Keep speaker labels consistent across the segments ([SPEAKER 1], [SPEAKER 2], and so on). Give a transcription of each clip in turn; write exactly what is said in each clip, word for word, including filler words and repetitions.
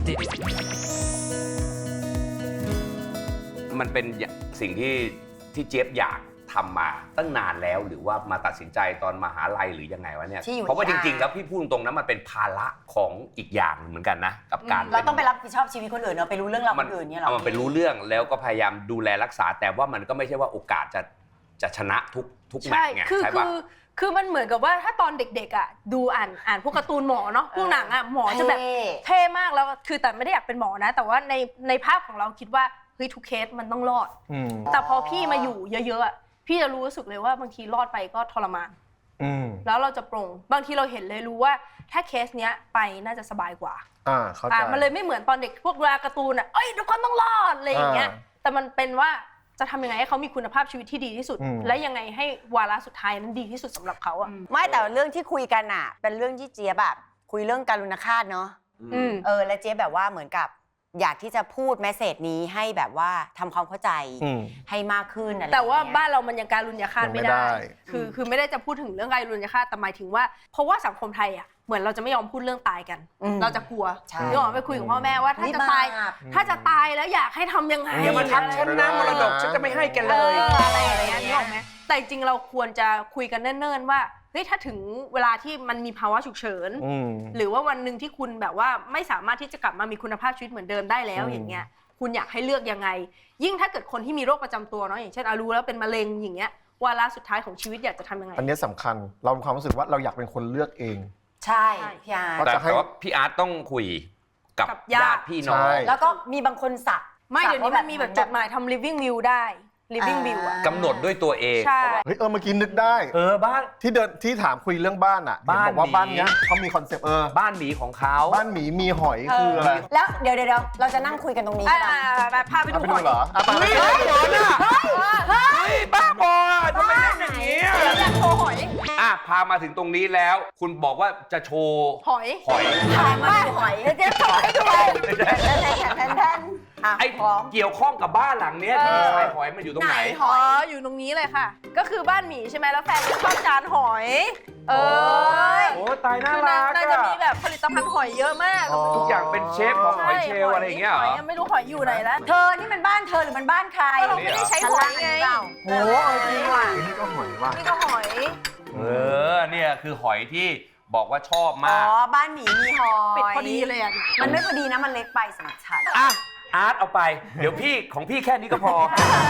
[SPEAKER 1] มันเป็นสิ่งที่ที่เจี๊ยบอยากทำมาตั้งนานแล้วหรือว่ามาตัดสินใจตอนมหาลัยหรือยังไงวะเนี่ยเพราะว่าจริงๆแล้วพี่พูดตรงๆนะมันเป็นภาระของอีกอย่างเหมือนกันนะกับการ
[SPEAKER 2] เราต้องไปรับผิดชอบชีวิตคนอื่นเนาะไปรู้เรื่องราวคนอื่นเนี่ยหรอ
[SPEAKER 1] มันไปรู้เรื่องแล้วก็พยายามดูแลรักษาแต่ว่ามันก็ไม่ใช่ว่าโอกาสจะจะชนะทุกทุกแมตช์ไงใช่ป่ะ
[SPEAKER 3] คือมันเหมือนกับว่าถ้าตอนเด็กๆอ่ะดูอ่านอ่านพวกการ์ตูนหมอเนาะพวกหนังอ่ะหมอจะแบบเท่มากแล้วคือแต่ไม่ได้อยากเป็นหมอนะแต่ว่าในในภาพของเราคิดว่าเฮ้ยทุกเคสมันต้องรอดแต่พอพี่มาอยู่เยอะๆพี่จะรู้สึกเลยว่าบางทีรอดไปก็ทรมานแล้วเราจะปรงบางทีเราเห็นเลยรู้ว่าถ้าเคสเนี้ยไปน่าจะสบายกว่า
[SPEAKER 4] อ่าเข้าใจ
[SPEAKER 3] มันเลยไม่เหมือนตอนเด็กพวกเวลาการ์ตูนอ่ะเอ้ยทุกคนต้องรอดอะไรอย่างเงี้ยแต่มันเป็นว่าจะทำยังไงให้เขามีคุณภาพชีวิตที่ดีที่สุดและยังไงให้วาระสุดท้ายนั้นดีที่สุดสำหรับเขาอ่ะ
[SPEAKER 2] ไม่แต่เรื่องที่คุยกันอ่ะเป็นเรื่องที่เจี๊ยบแบบคุยเรื่องการุณฆาตเนาะเออและเจี๊ยบแบบว่าเหมือนกับอยากที่จะพูดแมสเสจนี้ให้แบบว่าทำความเข้าใจให้มากขึ้นอะไร
[SPEAKER 3] แต่ว่าบ้านเรามันยังการุณฆาตไม่ได้คือคือไม่ได้จะพูดถึงเรื่องการุณฆาตแต่หมายถึงว่าเพราะว่าสังคมไทยอ่ะเหมือนเราจะไม่ยอมพูดเรื่องตายกันเราจะกลัวนึกออกไปคุยกับพ่อแม่ว่าถ้าจะตายถ้าจะตายแล้วอยากให้ทำยังไง
[SPEAKER 1] อย่ามาทักฉันนะมรดกฉันจะไม่ให้กันเลย
[SPEAKER 3] อะไรอย่างเงี้ยนึกออกไหมแต่จริงเราควรจะคุยกันเนิ่นๆว่าเฮ้ยถ้าถึงเวลาที่มันมีภาวะฉุกเฉินหรือว่าวันหนึ่งที่คุณแบบว่าไม่สามารถที่จะกลับมามีคุณภาพชีวิตเหมือนเดิมได้แล้วอย่างเงี้ยคุณอยากให้เลือกยังไงยิ่งถ้าเกิดคนที่มีโรคประจำตัวเนาะอย่างเช่นอารู้แล้วเป็นมะเร็งอย่างเงี้ยวาระสุดท้ายของชีวิตอยากจะทำยังไง
[SPEAKER 4] อันนี้สำคัญเรามีความรู้สึกว่าเราอยากเป็นคนเลือกเอง
[SPEAKER 2] ใช่พี่อาร์ต
[SPEAKER 1] แต่ว่าพี่อาร์ตต้องคุยกับญาติพี่น้อง
[SPEAKER 2] แล้วก็มีบางคนสัก
[SPEAKER 3] ไม่เดี๋ยวนี้มันมีแบบจดหมายทำ living will ได้ living will อ่ะ
[SPEAKER 1] กำหนดด้วยตัวเอง
[SPEAKER 4] เฮ้ยเออเมื่อกี้นึกได้
[SPEAKER 1] เออบ้าน
[SPEAKER 4] ที่เดินที่ถามคุยเรื่องบ้านอ่ะบอกว่าบ้านเนี้ยเขามีคอนเซปต์เออ
[SPEAKER 1] บ้านหมีของเขา
[SPEAKER 4] บ้านหมีมีหอยคืออะไร
[SPEAKER 2] แล้วเดี๋ยวเดี๋ยวเราจะนั่งคุยกันตรงนี้
[SPEAKER 3] ใช่ไหมพาไปดูหอย
[SPEAKER 4] เหรอ
[SPEAKER 1] เฮ้ยหอยน่ะเฮ้ยบ้าบอทำไมเล่นอย่างนี้
[SPEAKER 3] อยากโชว์หอย
[SPEAKER 1] อ่ะพามาถึงตรงนี้แล้วคุณบอกว่าจะโชว์
[SPEAKER 3] หอย
[SPEAKER 1] หอย
[SPEAKER 2] ถามว่าหอยเจ๊โชว์ให้ด้วยแทนแทน
[SPEAKER 1] ไอ้เกี่ยวข้องกับบ้านหลังเนี้ยที่ชายหอยมันอยู่ตรงไหน
[SPEAKER 3] อ๋ออยู่ตรงนี้เลยค่ะก็คือบ้านหมีใช่ไหมแล้วแฟนชอบจานหอยเออ
[SPEAKER 1] โอ้ตายน่ารัก
[SPEAKER 3] น่าจะมีแบบผลิตภัณฑ์หอยเยอะมาก
[SPEAKER 1] ทุกอย่างเป็นเชฟของหอยเชลอะไรอย่างเงี้ยเหรอ
[SPEAKER 3] ไม่รู้หอยอยู่ไหนแล้ว
[SPEAKER 2] เธอนี่มันบ้านเธอหรือมันบ้านใคร
[SPEAKER 3] เราไม่ได้ใช้หอยไง
[SPEAKER 4] โอ้จริงว่ะนี่ก็หอยว่ะ
[SPEAKER 3] นี่ก็หอย
[SPEAKER 1] เออเนี่ยคือหอยที่บอกว่าชอบมาก
[SPEAKER 2] อ๋อบ้านหมีมีหอย
[SPEAKER 3] ปิดพอดีเลยอ่ะ
[SPEAKER 2] มันไม่พอดีนะมันเล็กไปสำหรับฉัน
[SPEAKER 1] อ่ะอาร์ตเอาไปเดี๋ยวพี่ของพี่แค่นี้ก็พอ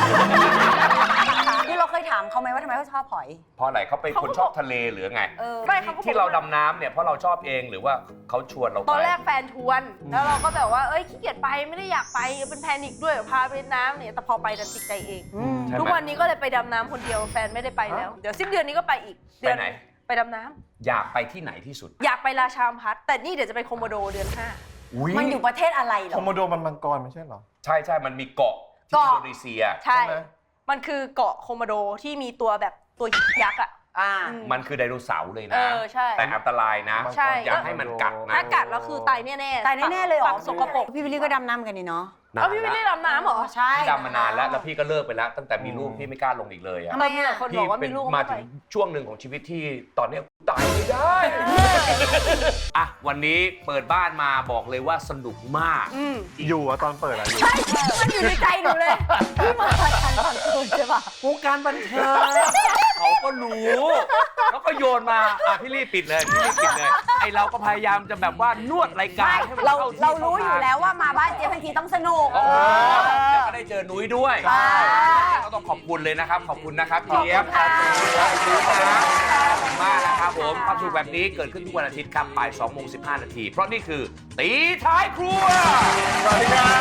[SPEAKER 2] ที่เราเคยถามเขาไหมว่าทำไมเขาชอบหอย
[SPEAKER 1] เพราะอะไรเขาเป็นคนชอบทะเลหรือไง
[SPEAKER 3] ไม่
[SPEAKER 1] ที่เราดำน้ำเนี่ยเพราะเราชอบเองหรือว่าเขาชวนเราไป
[SPEAKER 3] ตอนแรกแฟนชวนแล้วเราก็แบบว่าเอ้ยขี้เกียจไปไม่ได้อยากไปเป็นแพนิคด้วยพาไปน้ำเนี่ยแต่พอไปดันติดใจเองทุกวันนี้ก็เลยไปดำน้ำคนเดียวแฟนไม่ได้ไปแล้วเดี๋ยวสิ้นเดือนนี้ก็ไปอีก
[SPEAKER 1] เดือนไหน
[SPEAKER 3] ไปดำน้
[SPEAKER 1] ำอยากไปที่ไหนที่สุด
[SPEAKER 3] อยากไปราชาพัฒแต่นี่เดี๋ยวจะไปโคโมโดเดือนห้า
[SPEAKER 2] มันอยู่ประเทศอะไรหรอ
[SPEAKER 4] โคโมโดมันมังกรไม่ใช่หรอ
[SPEAKER 1] ใช่ใช่มันมีเกาะที่อินโดนีเซีย
[SPEAKER 3] ใช่มันคือเกาะโคโมโดที่มีตัวแบบตัวยักษ์อ่ะ
[SPEAKER 1] มันคือไดโนเสาร์เลยนะ
[SPEAKER 3] แต่
[SPEAKER 1] อันตรายนะอย่าให้มันกัดนะ
[SPEAKER 3] ถ้ากัดแล้วคือตายแน่ๆ
[SPEAKER 2] ตายแน่ๆเลยเหรอ
[SPEAKER 3] สกปรก
[SPEAKER 2] พี่วิลลี่ก็ดำน้ำกันนี่เนาะ
[SPEAKER 3] อ๋อพี่วิลลี่ดำน้ำเหรอ
[SPEAKER 2] ใช่
[SPEAKER 1] พี่ดำมานานแล้วแล้วพี่ก็เลิกไปแล้วตั้งแต่มีลูกพี่ไม่กล้าลงอีกเลยอ่ะ
[SPEAKER 3] ทำไมอ่ะคนบอกว่ามีลูก
[SPEAKER 1] มาถึงช่วงหนึ่งของชีวิตที่ตอนนี้ตายไม่ได้อ่ะวันนี้เปิดบ้านมาบอกเลยว่าสนุกมาก
[SPEAKER 4] อยู่อะตอนเปิดอะอยู่
[SPEAKER 2] ใช่มันอยู่ในใจหนูเลยพี่มาการบันเทิงใช่ปะ
[SPEAKER 1] วงการบันเทิงเขาก็รู้แล้วก็โยนมาอ่ะพี่รีบปิดเลยพี่รีบปิดเลยไอเราก็พยายามจะแบบว่านวดรายการให้มัน
[SPEAKER 2] เรา
[SPEAKER 1] เข้าที่
[SPEAKER 2] เรารู้อยู่แล้วว่ามาบ้านเจ๊บางทีต้องสนุก
[SPEAKER 1] แล้วก็ได้เจอนุ้ยด้วยก็ต้องขอบคุณเลยนะครับขอบคุณนะครับเจี๊ยบครับมากนะครับผมความสุขแบบนี้เกิดขึ้นทุกวันอาทิตย์ครับบ่ายสองโมงสิบห้านาทีเพราะนี่คือตีท้ายครัว
[SPEAKER 4] สวัสดีครับ